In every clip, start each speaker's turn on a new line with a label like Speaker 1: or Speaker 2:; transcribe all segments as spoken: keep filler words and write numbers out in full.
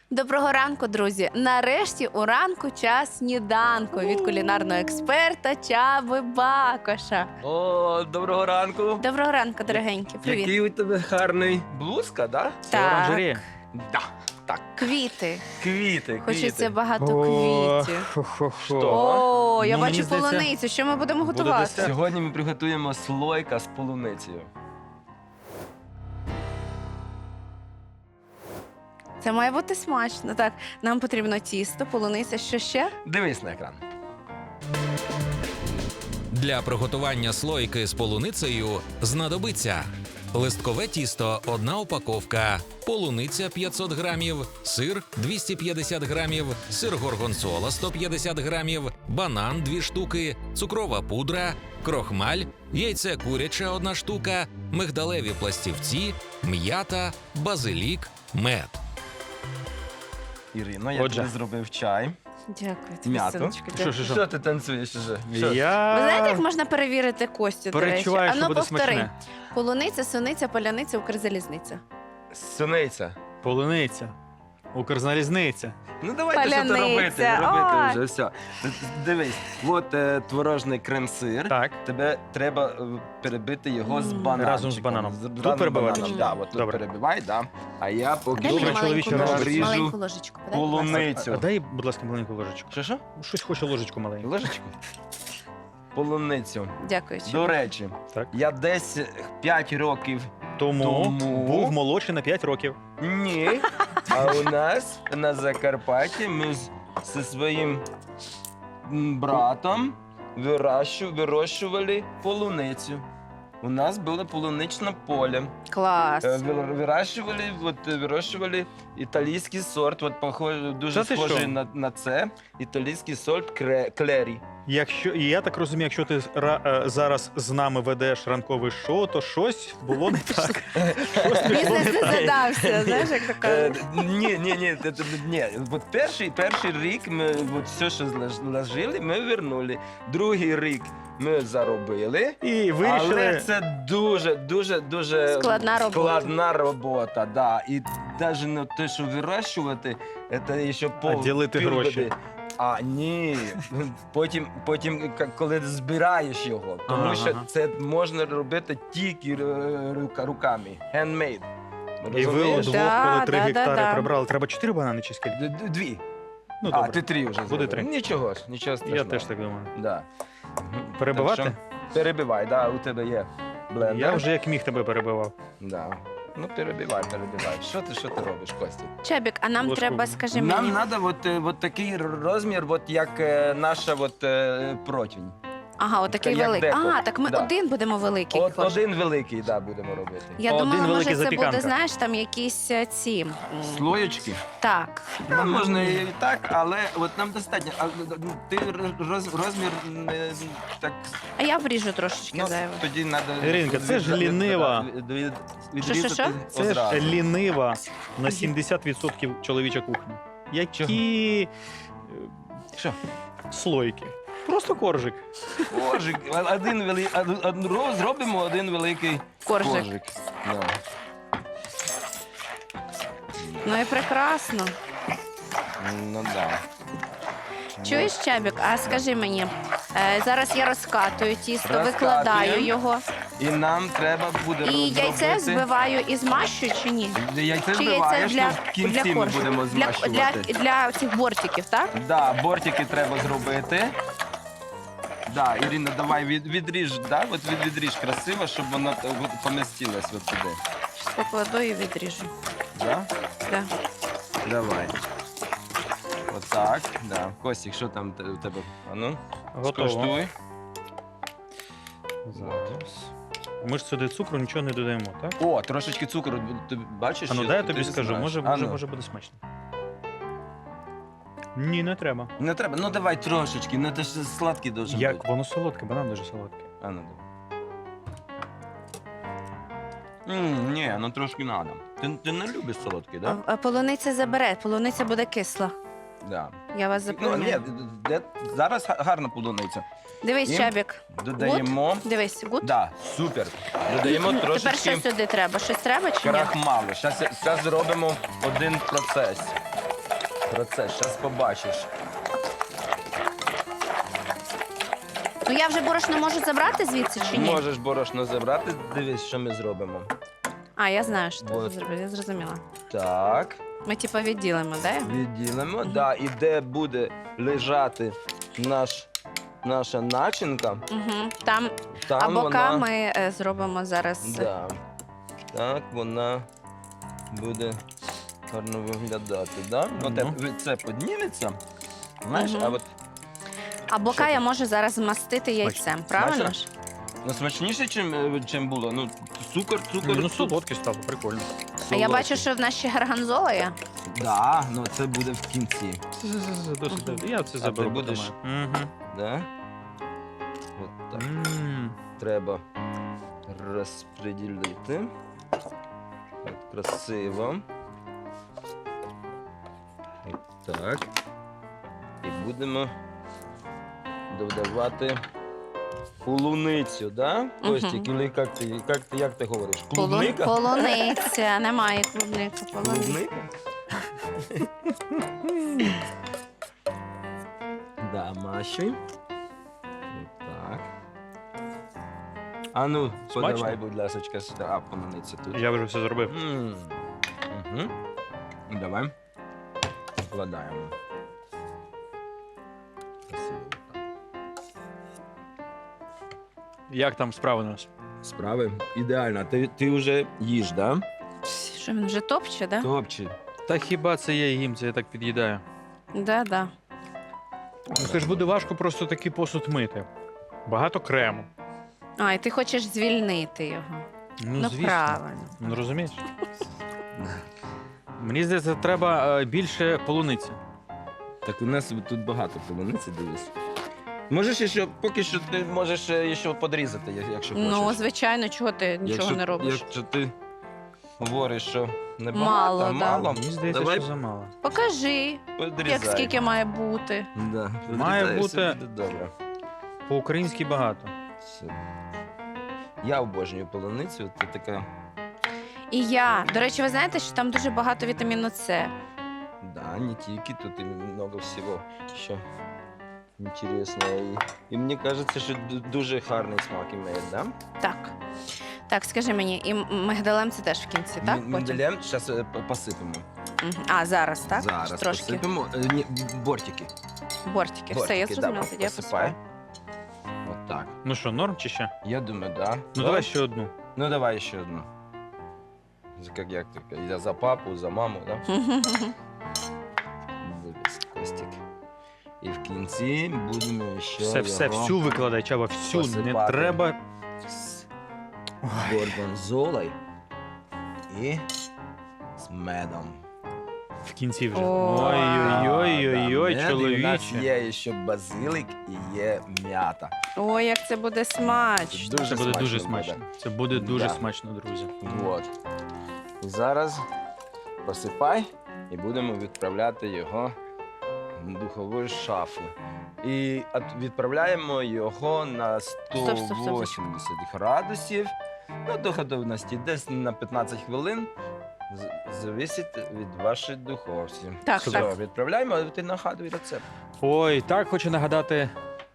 Speaker 1: Доброго ранку, друзі! Нарешті у ранку час сніданку від кулінарного експерта Чаби Бакоша.
Speaker 2: О, доброго ранку.
Speaker 1: Доброго ранку, дорогенькі. Привіт.
Speaker 2: Який у тебе гарний блузка, да?
Speaker 1: Так.
Speaker 3: Оранжерея.
Speaker 2: Да. Так.
Speaker 1: Квіти.
Speaker 2: Квіти,
Speaker 1: Хочеться
Speaker 2: квіти.
Speaker 1: багато
Speaker 3: О,
Speaker 1: квітів.
Speaker 3: хо-хо-хо.
Speaker 1: О, я
Speaker 3: Ну,
Speaker 1: бачу
Speaker 3: мені здається,
Speaker 1: полуницю. Що ми будемо
Speaker 3: буде
Speaker 1: готувати?
Speaker 3: десерт.
Speaker 2: Сьогодні ми приготуємо слойка з полуницею.
Speaker 1: Це має бути смачно. Так, нам потрібно тісто, полуниця, що ще?
Speaker 2: Дивись на екран.
Speaker 4: Для приготування слойки з полуницею знадобиться листкове тісто – одна упаковка, полуниця – п'ятсот грамів, сир – двісті п'ятдесят грамів, сир горгонцола – сто п'ятдесят грамів, банан – дві штуки, цукрова пудра, крохмаль, яйце куряче – одна штука, мигдалеві пластівці, м'ята, базилік, мед.
Speaker 2: Ірино, я
Speaker 3: Отже.
Speaker 2: тобі зробив чай.
Speaker 1: Дякую тобі,
Speaker 2: М'яту.
Speaker 1: синочку.
Speaker 3: Що,
Speaker 1: дякую.
Speaker 3: що,
Speaker 2: Що
Speaker 3: що?
Speaker 2: ти танцюєш уже? Що?
Speaker 3: Я
Speaker 1: Ви знаєте, як можна перевірити Костю, до речі?
Speaker 3: перечуваю, що
Speaker 1: Ану,
Speaker 3: буде
Speaker 1: повтори.
Speaker 3: смачне.
Speaker 1: Полуниця, суниця, поляниця, Укрзалізниця.
Speaker 2: Суниця.
Speaker 3: Полуниця. Укрзалізниця.
Speaker 2: Ну давайте що
Speaker 1: Паляниця.
Speaker 2: то робити, робити
Speaker 1: Ой.
Speaker 2: вже, все. Дивись, от е, творожний крем-сир.
Speaker 3: Так.
Speaker 2: Тебе треба е, перебити його з
Speaker 1: Мм.
Speaker 2: бананом.
Speaker 3: Разом з бананом. Тут перебивати чи ні?
Speaker 2: Да, от тут
Speaker 3: Добре.
Speaker 2: перебивай, да. А я поки
Speaker 1: Дай мені
Speaker 3: Добре,
Speaker 1: маленьку
Speaker 3: чоловіче,
Speaker 1: ложечку,
Speaker 2: наріжу
Speaker 1: маленьку ложечку. подай, будь ласка.
Speaker 2: полуницю.
Speaker 3: А, а дай, будь ласка, маленьку ложечку.
Speaker 2: Що що?
Speaker 3: Щось хочу ложечку маленьку.
Speaker 2: Ложечку? Полуницю.
Speaker 1: Дякую. Чаба.
Speaker 2: До речі,
Speaker 3: Так.
Speaker 2: я десь п'ять років.
Speaker 3: Тому,
Speaker 2: Тому-
Speaker 3: був молодший на п'ять років.
Speaker 2: Ні. А у нас на Закарпатті ми з, зі своїм м, братом вирощу, вирощували полуницю. У нас було полуничне поле.
Speaker 1: Клас.
Speaker 2: Е, ви- Вирощували, от, е, вирощували італійський сорт, от, похож, дуже
Speaker 3: Та ти
Speaker 2: схожий
Speaker 3: що?
Speaker 2: на, на це. Італійський сорт кре, клері.
Speaker 3: Якщо, і я так розумію, якщо ти ра- е, зараз з нами ведеш ранкове шоу, то щось було не так. Щось пішло
Speaker 1: Бізнес
Speaker 3: не
Speaker 1: не
Speaker 3: так.
Speaker 1: задався, знаєш, як то
Speaker 2: Е,
Speaker 1: кажуть.
Speaker 2: Ні, ні, ні, це- це- ні. От перший, перший рік ми от все, що зложили, ми вернули. Другий рік ми заробили.
Speaker 3: І
Speaker 2: Але
Speaker 3: вирішили.
Speaker 2: це дуже, дуже, дуже
Speaker 1: Складна робота.
Speaker 2: Складна робота, да. І навіть не те, що вирощувати, це ще пол
Speaker 3: ділити
Speaker 2: півбіди.
Speaker 3: гроші.
Speaker 2: А ні, потім, потім к- коли збираєш його, тому
Speaker 3: Ага,
Speaker 2: що
Speaker 3: ага.
Speaker 2: це можна робити тільки е, рука- руками, handmade.
Speaker 3: І ви
Speaker 2: Розумієш?
Speaker 3: удвох,
Speaker 1: Да,
Speaker 3: коли три
Speaker 1: да, да,
Speaker 3: гектари
Speaker 1: да.
Speaker 3: прибрали, треба чотири банани чи скільки?
Speaker 2: Д- д- Дві.
Speaker 3: Ну,
Speaker 2: а,
Speaker 3: добре.
Speaker 2: ти три вже
Speaker 3: Буде
Speaker 2: зробив.
Speaker 3: три.
Speaker 2: Нічого ж, нічого страшного.
Speaker 3: Я теж так думаю.
Speaker 2: Да.
Speaker 3: Перебивати?
Speaker 2: Так що перебивай, да, у тебе є блендер.
Speaker 3: Я вже як міг тебе перебивав.
Speaker 2: Да. Ну, перебивай, перебивай. Що ти, що ти робиш, Костя?
Speaker 1: Чабік, а нам
Speaker 3: Ложку.
Speaker 1: треба, скажи
Speaker 2: Нам
Speaker 1: мені.
Speaker 2: треба от, е, от такий розмір, от як е, наша от, е, противень.
Speaker 1: Ага, отакий
Speaker 2: як
Speaker 1: великий.
Speaker 2: деко.
Speaker 1: А, так ми
Speaker 2: Да.
Speaker 1: один будемо великий.
Speaker 2: От
Speaker 1: кожен.
Speaker 2: один великий, да, будемо робити.
Speaker 1: Я
Speaker 3: Один
Speaker 1: думала,
Speaker 3: великий
Speaker 1: може, це буде,
Speaker 3: запіканка.
Speaker 1: знаєш, там якісь е, ці. м,
Speaker 2: Слоєчки.
Speaker 1: Так.
Speaker 2: Ну, можна і так, але от нам достатньо. А, ти роз, розмір не так.
Speaker 1: А я вріжу трошечки
Speaker 2: Ну,
Speaker 1: зайве.
Speaker 2: тоді треба.
Speaker 3: Іринка, це ж лінива.
Speaker 1: Що-що-що?
Speaker 3: Це ж лінива на сімдесят відсотків чоловіча кухня. Які е,
Speaker 2: Що?
Speaker 3: слойки? Просто коржик.
Speaker 2: Коржик. Один великий. Зробимо один великий
Speaker 1: Коржик.
Speaker 2: коржик. Да.
Speaker 1: Ну і прекрасно.
Speaker 2: Ну да.
Speaker 1: Чуєш, Чабік, а скажи мені, е, зараз я розкатую тісто,
Speaker 2: Розкатуємо.
Speaker 1: викладаю його.
Speaker 2: І нам треба буде
Speaker 1: І яйце
Speaker 2: розробити-
Speaker 1: збиваю і змащую чи ні?
Speaker 2: Яйце
Speaker 1: Чи яйце
Speaker 2: збиваєш,
Speaker 1: для,
Speaker 2: ну, в кінці
Speaker 1: для
Speaker 2: ми
Speaker 1: коржу?
Speaker 2: будемо
Speaker 1: Для,
Speaker 2: змащувати.
Speaker 1: для, для цих бортиків, так?
Speaker 2: Да, бортики треба зробити. Да, Ірина, давай від, відріж, да? От від, відріж красиво, щоб воно т- от помістилось от сюди.
Speaker 1: Щас покладу і відріжу.
Speaker 2: Да?
Speaker 1: Да.
Speaker 2: Давай. Отак, да. Костік, що там те- у тебе? А ну,
Speaker 3: Готово.
Speaker 2: скуштуй.
Speaker 3: Зараз. Ми ж сюди цукру нічого не додаємо, так?
Speaker 2: О, трошечки цукру, ти бачиш?
Speaker 3: А ну
Speaker 2: що
Speaker 3: дай я
Speaker 2: ти
Speaker 3: тобі
Speaker 2: не
Speaker 3: скажу,
Speaker 2: знаєш.
Speaker 3: може,
Speaker 2: А
Speaker 3: може,
Speaker 2: ну.
Speaker 3: може буде смачно. Ні, не треба.
Speaker 2: Не треба, ну давай трошечки, ну це ж сладкий должен
Speaker 3: Як
Speaker 2: бути.
Speaker 3: воно солодке, банан дуже солодкий.
Speaker 2: А ну давай. М, ні, ну трошки надо. Ти, ти не любиш солодкий, да?
Speaker 1: А полуниця забере, полуниця буде кисла.
Speaker 2: Да.
Speaker 1: Я вас
Speaker 2: Ну,
Speaker 1: запевняю.
Speaker 2: ні, де- зараз га- гарна полуниця.
Speaker 1: Дивись,
Speaker 2: І
Speaker 1: Чабік.
Speaker 2: Додаємо.
Speaker 1: Дивись, гуд.
Speaker 2: Да, супер. Додаємо
Speaker 1: Тепер що
Speaker 2: трошечки
Speaker 1: сюди треба? Щось треба чи ні?
Speaker 2: крахмалу. Зараз зробимо один процес. процес, зараз побачиш.
Speaker 1: Ну я вже борошно можу забрати звідси чи ні?
Speaker 2: Можеш борошно забрати, дивись, що ми зробимо.
Speaker 1: А, я знаю, що ти
Speaker 2: Вот.
Speaker 1: зробив, я зрозуміла.
Speaker 2: Так,
Speaker 1: Ми типу відділимо, да?
Speaker 2: відділимо.
Speaker 1: Мгм.
Speaker 2: Да, і де буде лежати наш, наша начинка,
Speaker 1: Угу. Там
Speaker 2: там
Speaker 1: а бока
Speaker 2: вона...
Speaker 1: ми е, зробимо зараз.
Speaker 2: Да. Так, вона буде гарно виглядати, да? Ну,
Speaker 3: Ну.
Speaker 2: те- це підніметься, знаєш,
Speaker 1: Мгм.
Speaker 2: а от
Speaker 1: А бока
Speaker 2: Що
Speaker 1: я
Speaker 2: ти?
Speaker 1: можу зараз змастити яйцем, правильно
Speaker 2: Смачно?
Speaker 1: ж?
Speaker 2: ну, смачніше, чим, е, чим було. Ну, цукор, цукор,
Speaker 3: Ну,
Speaker 2: цукор.
Speaker 3: солодкий став, прикольно.
Speaker 1: А я бачу, що в нас ще гарганзола є.
Speaker 2: Да, ну це буде в кінці.
Speaker 3: Досить. Я це
Speaker 2: ти
Speaker 3: заберу.
Speaker 2: будеш?
Speaker 3: Угу.
Speaker 2: Да? От так. Треба розподілити. От, красиво. От так. І будемо додавати полуницю, да?
Speaker 1: Мгм.
Speaker 2: Костік, или як ти, як ти, як ти говориш?
Speaker 1: Полу-
Speaker 2: Клубника?
Speaker 1: Полуниця, немає клубника, полуниця.
Speaker 2: Клубника? Да, Маші. Так. А ну,
Speaker 3: Смачно?
Speaker 2: подавай, будь ласка, сюди. А, полуниця тут.
Speaker 3: Я вже все зробив.
Speaker 2: М. Мгм. Давай. Вкладаємо. Красиво.
Speaker 3: Як там справи у нас?
Speaker 2: Справи ідеально. Ти, ти вже їж, да?
Speaker 1: Що він вже топче, да?
Speaker 2: Топче.
Speaker 3: Та хіба це я їм, це я так під'їдаю.
Speaker 1: Да, да.
Speaker 3: Ну це ж буде важко просто такий посуд мити. Багато крему.
Speaker 1: А, і ти хочеш звільнити його.
Speaker 3: Ну,
Speaker 1: Ну,
Speaker 3: звісно.
Speaker 1: правильно.
Speaker 3: Ну розумієш? Мені здається, треба е, більше полуниці.
Speaker 2: Так у нас тут багато полуниці, дивись. Можеш ще, поки що ти можеш е, ще подрізати, я- якщо хочеш.
Speaker 1: Ну, звичайно, чого ти нічого
Speaker 2: якщо,
Speaker 1: не робиш?
Speaker 2: Якщо ти говориш, що небагато,
Speaker 1: Мало, да.
Speaker 2: мало,
Speaker 3: Мені здається,
Speaker 2: давай
Speaker 3: що замало.
Speaker 1: Покажи,
Speaker 2: подрізай.
Speaker 1: як скільки має бути.
Speaker 2: Да,
Speaker 3: Має
Speaker 2: подрізай,
Speaker 3: бути-
Speaker 2: все буде добре.
Speaker 3: По-українськи багато.
Speaker 2: Все. Я обожнюю полуницю, це така,
Speaker 1: І я. До речі, ви знаєте, що там дуже багато вітаміну С.
Speaker 2: да, не тільки, тут і много всього, що інтересного. І, і мені кажеться, що ду- дуже гарний смак має, да?
Speaker 1: Так. Так, скажи мені, і м- мигдалем це теж в кінці, так?
Speaker 2: М-
Speaker 1: Потім?
Speaker 2: Миндалем зараз посипемо.
Speaker 1: Мгм. А, зараз, так?
Speaker 2: Зараз
Speaker 1: Трошки.
Speaker 2: посипемо. Е, Ні, бортики.
Speaker 1: Бортики. Все,
Speaker 2: Бортики,
Speaker 1: я
Speaker 2: да,
Speaker 1: зрозуміла, тоді я
Speaker 2: посипай.
Speaker 1: посипаю.
Speaker 2: От так.
Speaker 3: Ну що, норм чи ще?
Speaker 2: Я думаю, да.
Speaker 3: Ну
Speaker 2: Да?
Speaker 3: давай ще одну.
Speaker 2: Ну давай ще одну. За- Як, як таке? Я за папу, за маму, да? Дивись, Костік. І в кінці будемо ще
Speaker 3: Все, все,
Speaker 2: його
Speaker 3: всю викладай, Чаба, всю. Не
Speaker 2: посипати.
Speaker 3: треба.
Speaker 2: з
Speaker 3: Ой.
Speaker 2: горгонзолою і з медом.
Speaker 3: В кінці вже.
Speaker 1: О,
Speaker 3: Ой-ой-ой-ой-ой,
Speaker 2: Да, мед, і у нас
Speaker 3: чоловіче.
Speaker 2: є ще базилик і є м'ята.
Speaker 1: Ой, як це буде смачно.
Speaker 2: Дуже
Speaker 3: Це буде дуже
Speaker 2: смачно
Speaker 3: смачно.
Speaker 2: буде.
Speaker 3: Це буде дуже
Speaker 2: Да.
Speaker 3: смачно, друзі.
Speaker 2: Вот. І зараз посипай і будемо відправляти його в духову шафу. І от- відправляємо його на
Speaker 1: стоп, стоп, стоп.
Speaker 2: сто вісімдесят градусів. Ну, до готовності десь на п'ятнадцять хвилин. З- Зависить від вашої духовці.
Speaker 1: Так,
Speaker 2: Все,
Speaker 1: так.
Speaker 2: відправляємо, а ти нагадуй рецепт.
Speaker 3: Ой, так хочу нагадати.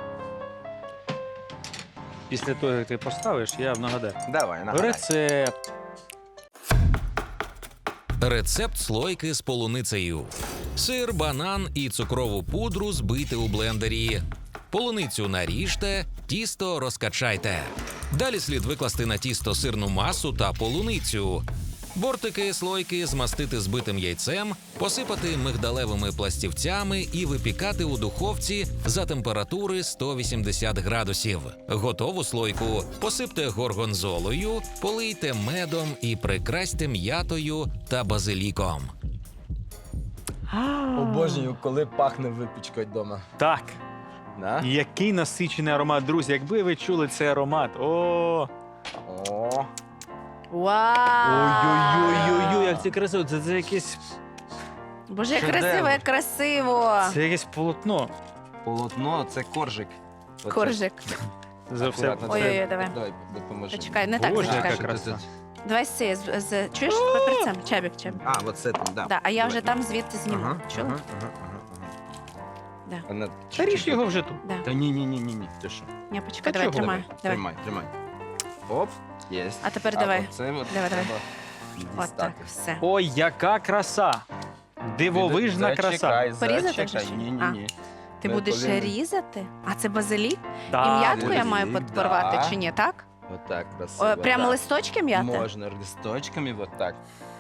Speaker 3: Після того, як ти поставиш, я нагадаю.
Speaker 2: Давай, нагадай.
Speaker 3: Рецепт.
Speaker 4: Рецепт слойки з полуницею. Сир, банан і цукрову пудру збийте у блендері. Полуницю наріжте, тісто розкачайте. Далі слід викласти на тісто сирну масу та полуницю. Бортики слойки змастити збитим яйцем, посипати мигдалевими пластівцями і випікати у духовці за температури сто вісімдесят градусів. Готову слойку посипте горгонзолою, полийте медом і прикрасьте м'ятою та базиліком.
Speaker 2: Обожнюю, коли пахне випічкою вдома.
Speaker 3: Так,
Speaker 2: Да?
Speaker 3: який насичений аромат, друзі. Якби ви чули цей аромат. О!
Speaker 2: О,
Speaker 1: Вау!
Speaker 3: Ой-ой-ой-ой, як це красиво. Це, це якесь.
Speaker 1: Боже, як
Speaker 2: Шедевр.
Speaker 1: красиво, як красиво!
Speaker 3: Це якесь полотно.
Speaker 2: полотно, це коржик. Оце.
Speaker 1: Коржик.
Speaker 3: За все.
Speaker 2: Акуратно,
Speaker 1: Ой-ой-ой,
Speaker 2: це-
Speaker 1: давай.
Speaker 2: Давай, допоможи.
Speaker 1: Почекай, не так
Speaker 3: Боже,
Speaker 1: зачекай.
Speaker 3: яка краса.
Speaker 1: Давай з цієї, з, з, чуєш, папірцем? Чабік, чабік.
Speaker 2: А, от це там, да.
Speaker 1: Да, а я
Speaker 2: Давай.
Speaker 1: вже там звідти зніму.
Speaker 2: Ага,
Speaker 1: Чула?
Speaker 2: ага, ага, ага, ага.
Speaker 1: Да.
Speaker 2: Вона
Speaker 3: Та ріж
Speaker 2: чуть-чуть-
Speaker 3: його вже тут.
Speaker 1: Да.
Speaker 2: Та ні, ні, ні, ні, ні. Ти що?
Speaker 1: Я почекай,
Speaker 3: Та
Speaker 1: давай,
Speaker 3: чого?
Speaker 1: тримай. Давай.
Speaker 2: Тримай, тримай. Оп, є.
Speaker 1: А тепер давай.
Speaker 2: Оце от
Speaker 1: Давай, давай.
Speaker 2: треба
Speaker 1: От так,
Speaker 2: дістати.
Speaker 1: все.
Speaker 3: Ой, яка краса! Дивовижна краса.
Speaker 2: Зачекай,
Speaker 1: Порізати
Speaker 2: зачекай.
Speaker 1: вже чи?
Speaker 2: Ні, ні,
Speaker 1: А.
Speaker 2: ні.
Speaker 1: Ти
Speaker 2: Ми
Speaker 1: будеш
Speaker 2: повинні-
Speaker 1: різати? А це базилік?
Speaker 3: Да,
Speaker 1: І м'ятку я
Speaker 2: базилік,
Speaker 1: маю
Speaker 2: да.
Speaker 1: порвати чи ні, так?
Speaker 2: Отак красиво.
Speaker 1: О, прямо
Speaker 2: да.
Speaker 1: листочки м'яти?
Speaker 2: Можна листочками, от так.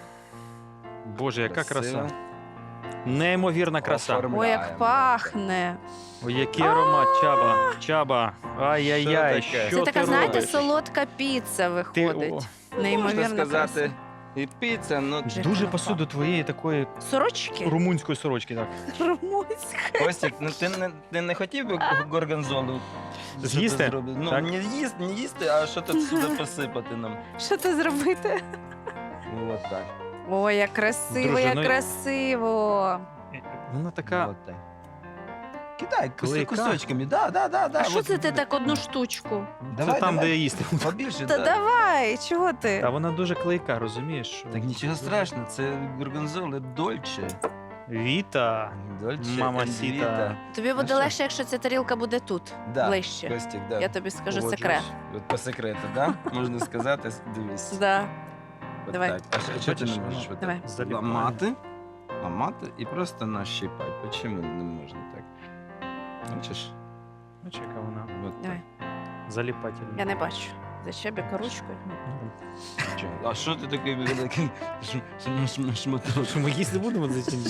Speaker 3: Боже, яка
Speaker 2: Красиво.
Speaker 3: краса. Неймовірна краса.
Speaker 2: Оформляємо.
Speaker 1: Ой, як пахне.
Speaker 3: Ой, який аромат, Чаба. Чаба. Ай-яй-яй,
Speaker 2: Що таке?
Speaker 3: що
Speaker 1: Це
Speaker 3: ти
Speaker 1: така, знаєте,
Speaker 3: робиш?
Speaker 1: солодка піца
Speaker 3: Ти,
Speaker 1: виходить.
Speaker 3: о,
Speaker 1: Неймовірно
Speaker 2: Можна сказати,
Speaker 1: краса.
Speaker 2: і піца, ну...
Speaker 1: Вже
Speaker 3: дуже
Speaker 1: краса.
Speaker 3: пасує до твоєї такої
Speaker 1: Сорочки?
Speaker 3: румунської сорочки, так.
Speaker 1: Румунська.
Speaker 2: Костік, ну ти не, ти не хотів би горгонзолу?
Speaker 3: З'їсти?
Speaker 2: Що ти зробив? Ну,
Speaker 3: Так.
Speaker 2: не їсти, не їсти, а що тут сюди посипати нам.
Speaker 1: Що ти зробити?
Speaker 2: Ну, от так.
Speaker 1: Ой, як красиво,
Speaker 3: Друже,
Speaker 1: як
Speaker 3: ну-
Speaker 1: красиво.
Speaker 3: Вона така.
Speaker 2: От так. Кидай кус-
Speaker 3: Клейка.
Speaker 2: кусочками, да, да, да, да.
Speaker 1: А що
Speaker 2: от-
Speaker 1: це ти так одну штучку?
Speaker 2: Давай,
Speaker 3: це там,
Speaker 2: давай.
Speaker 3: де їсти.
Speaker 2: Побільше,
Speaker 1: Та
Speaker 2: да.
Speaker 1: давай, чого ти?
Speaker 3: Та вона дуже клейка, розумієш? що-
Speaker 2: Так нічого страшного, це горгонзола дольче.
Speaker 3: Віта.
Speaker 2: Дольче,
Speaker 3: Мамасіта.
Speaker 2: Віта.
Speaker 1: Тобі буде
Speaker 2: що?
Speaker 1: легше, якщо ця тарілка буде тут,
Speaker 2: Да,
Speaker 1: ближче.
Speaker 2: Костік, да.
Speaker 1: Я тобі скажу
Speaker 2: Погоджуюсь.
Speaker 1: секрет.
Speaker 2: От по секрету, да? Можна сказати, дивись.
Speaker 1: Да.
Speaker 2: От
Speaker 1: Давай.
Speaker 2: так. А що- що ти
Speaker 3: Бачиш,
Speaker 2: не можеш?
Speaker 3: воно
Speaker 2: От
Speaker 1: Давай.
Speaker 2: так
Speaker 3: заліпає.
Speaker 2: ламати, ламати і просто нащипати. Чому не можна так? Бачиш?
Speaker 3: Бачиш, яка вона
Speaker 2: От
Speaker 1: Давай.
Speaker 3: заліпательна.
Speaker 1: Я не бачу. За щебіка ручкою.
Speaker 2: так. Чого? А що ти такий великий шм- шм- шм- шматок?
Speaker 3: Що ми їсти будемо за ці?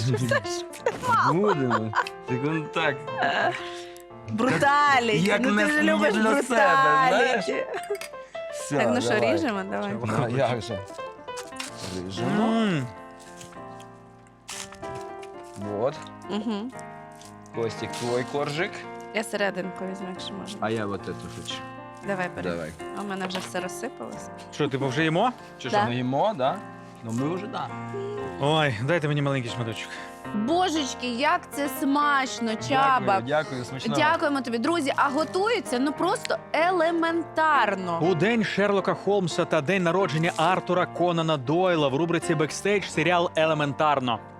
Speaker 2: Будемо. Так он так.
Speaker 1: Бруталіті.
Speaker 2: як
Speaker 1: Ну ти
Speaker 2: не-
Speaker 1: ж
Speaker 2: не
Speaker 1: любиш
Speaker 2: для себе, знаєш?
Speaker 1: бруталіті.
Speaker 2: Все,
Speaker 1: Так, ну що,
Speaker 2: давай.
Speaker 1: ріжемо? Давай.
Speaker 3: Чого?
Speaker 2: Ну, як же? Ріжемо.
Speaker 3: М,
Speaker 2: Вот.
Speaker 1: Угу.
Speaker 2: Костік, твой коржик.
Speaker 1: Я серединку візьму, якщо можна.
Speaker 2: А я вот эту хочу.
Speaker 1: Давай бери.
Speaker 2: Давай.
Speaker 1: А у мене вже все розсипалося.
Speaker 3: Що, типу, вже їмо?
Speaker 2: Чи
Speaker 1: Да.
Speaker 2: що, ми їмо, да? Ну ми вже да.
Speaker 3: Ой, дайте мені маленький шматочок.
Speaker 1: Божечки, як це смачно, Чаба.
Speaker 2: Дякую, дякую, смачного.
Speaker 1: Дякуємо тобі, друзі. А готується ну просто елементарно.
Speaker 3: У день Шерлока Холмса та день народження Артура Конана Дойла в рубриці «Бекстейдж» серіал «Елементарно».